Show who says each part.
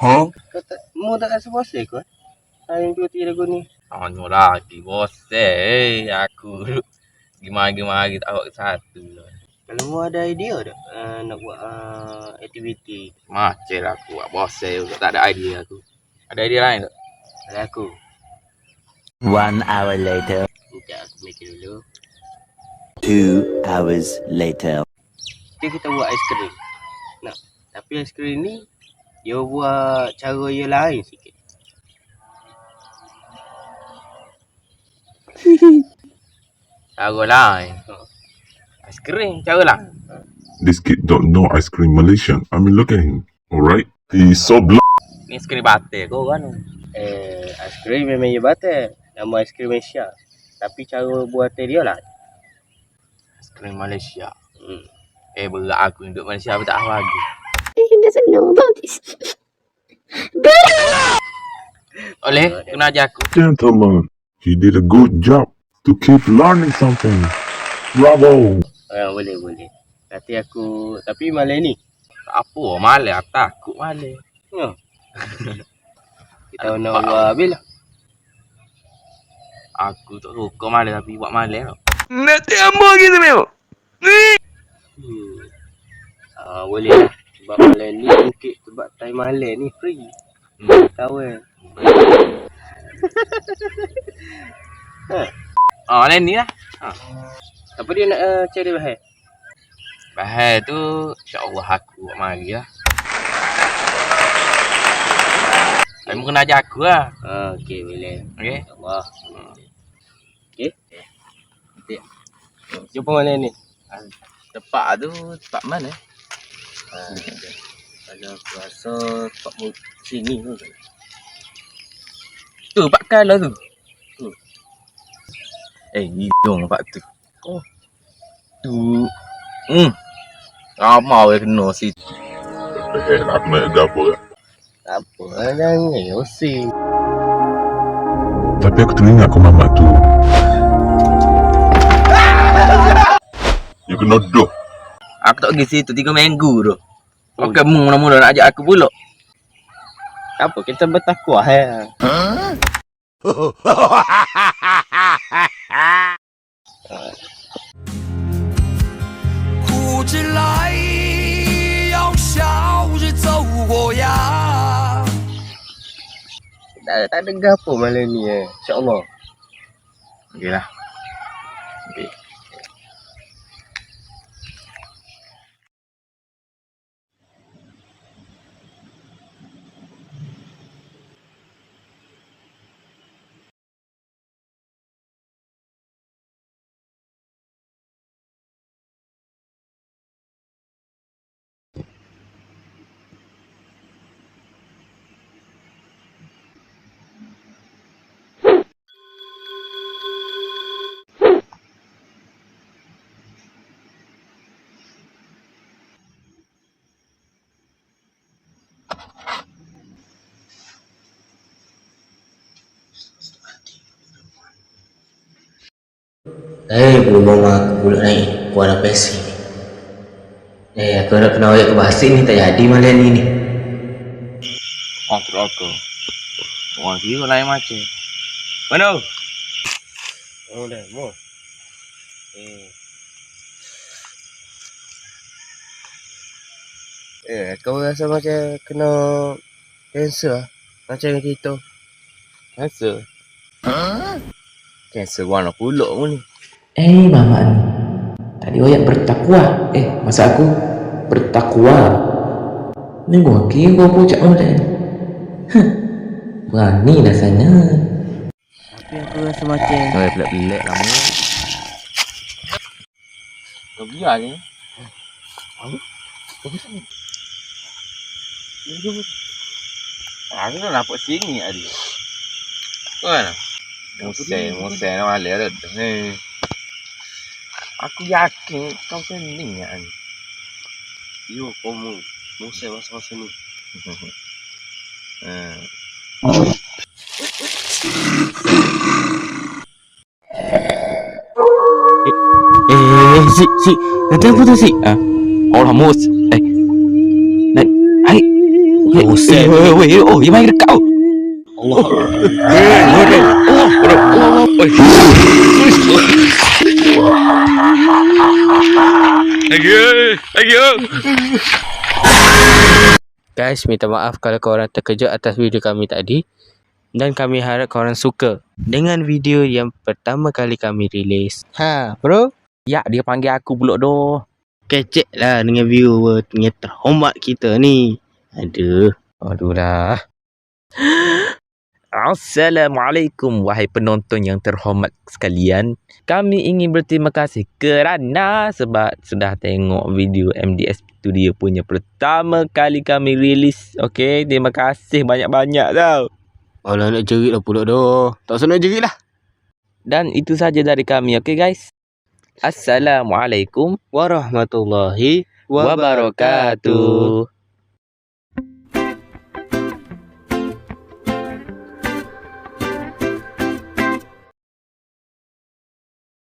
Speaker 1: Mu tak rasa bosan ke? Hari cuti lagu ni.
Speaker 2: Tanya lagi bosan. Aku gimana tak buat satu lah.
Speaker 1: Kalau mu ada idea tak nak buat aktiviti?
Speaker 2: Macam lah aku buat bosan juga. Tak ada idea aku. Ada idea lain tak?
Speaker 1: Kalau aku.
Speaker 3: 1 hour later.
Speaker 1: Sekejap aku mikir dulu.
Speaker 3: 2 hours later.
Speaker 1: Kita buat aiskrim. Nah, tapi aiskrim ni dia buat cara dia lain sikit.
Speaker 2: Cara lain. Aiskrim cara lain.
Speaker 4: This kid don't know ice cream Malaysian. I mean, look at him. Alright? He's so blunt.
Speaker 2: Ni aiskrim batik kau kan?
Speaker 1: Aiskrim memang dia batal. Nama aiskrim Malaysia. Tapi cara buat dia lah.
Speaker 2: Aiskrim Malaysia. Berat aku duduk Malaysia tapi tak tahu lagi.
Speaker 5: He doesn't know about this.
Speaker 2: Oleh, kena ajar aku.
Speaker 4: Gentlemen, he did a good job to keep learning something. Bravo!
Speaker 1: Boleh. Tapi malam ni.
Speaker 2: Tak apa, malas. Aku takut malas.
Speaker 1: Kita nak buat habis lah.
Speaker 2: Aku tak suka malas tapi buat malas tau.
Speaker 6: Nanti ambil gitu memang.
Speaker 1: Boleh lah. Sebab malam ni mungkin sebab time malam ni free. Tahu kan?
Speaker 2: Malam ni lah.
Speaker 1: Apa dia nak cari bahan?
Speaker 2: Bahan tu insya-Allah aku buat mari lah. Kamu kena ajar aku lah.
Speaker 1: Okey, boleh.
Speaker 2: Okey.
Speaker 1: Allah. Okey. Jumpa mana ni?
Speaker 2: Tempat tu tempat mana?
Speaker 1: Kalau aku rasa tempat sini tu.
Speaker 2: Tu Pak Kala tu. Hidung Pak tu. Oh. Tu. Ramai orang kena situ.
Speaker 4: Aku nak dapur.
Speaker 1: Tak apa, jangan yosi.
Speaker 4: Tapi aku teringat kau mamat tu. You kena duduk.
Speaker 2: Aku tak pergi situ 3 minggu tu. Pakai mula-mula nak ajak aku pula.
Speaker 1: Tak apa, kita bertakwa ya. Tak ada gapo malam ni InsyaAllah.
Speaker 2: Okeylah. Okey.
Speaker 7: Belum aku pula naik kuat apa sih? Aku nak kena awak ke Basik ni tak jadi malam ni.
Speaker 2: Terus aku. Orang kira lain macam. Mana?
Speaker 1: Dah, mau. Kau rasa macam kena kanser lah. Macam kita.
Speaker 2: Kanser? Kanser warna pulak pun ni.
Speaker 7: Mama ni. Tadi awak bertakwa. Masa aku bertakwa. Ni gua kira gua pucak malam. Berani lah sana.
Speaker 1: Tapi aku rasa macam
Speaker 2: Pelik-pelik lama. Kau biar je. Aku nak nampak sini hari. Kan? Musai nak malam dah. Aku yakin kau sending kan.
Speaker 1: yo kamu musai masa-masa ni.
Speaker 2: Si, nanti apa tu si? Orang mus.
Speaker 1: Buset.
Speaker 2: Oh, yang main dekat.
Speaker 1: Allah. Guys, minta maaf kalau korang terkejut atas video kami tadi. Dan kami harap korang suka dengan video yang pertama kali kami rilis. Ha, bro?
Speaker 2: Ya, dia panggil aku pula doh.
Speaker 1: Kecek lah dengan viewer yang terhormat kita ni. Aduh.
Speaker 2: Aduh dah. Assalamualaikum wahai penonton yang terhormat sekalian. Kami ingin berterima kasih kerana sebab sudah tengok video MDS Studio punya pertama kali kami rilis. Okey, terima kasih banyak-banyak tau.
Speaker 1: Alah, nak jerit lah pula dah. Tak usah nak jerit lah.
Speaker 2: Dan itu saja dari kami, okey guys. Assalamualaikum
Speaker 1: Warahmatullahi
Speaker 2: wabarakatuh.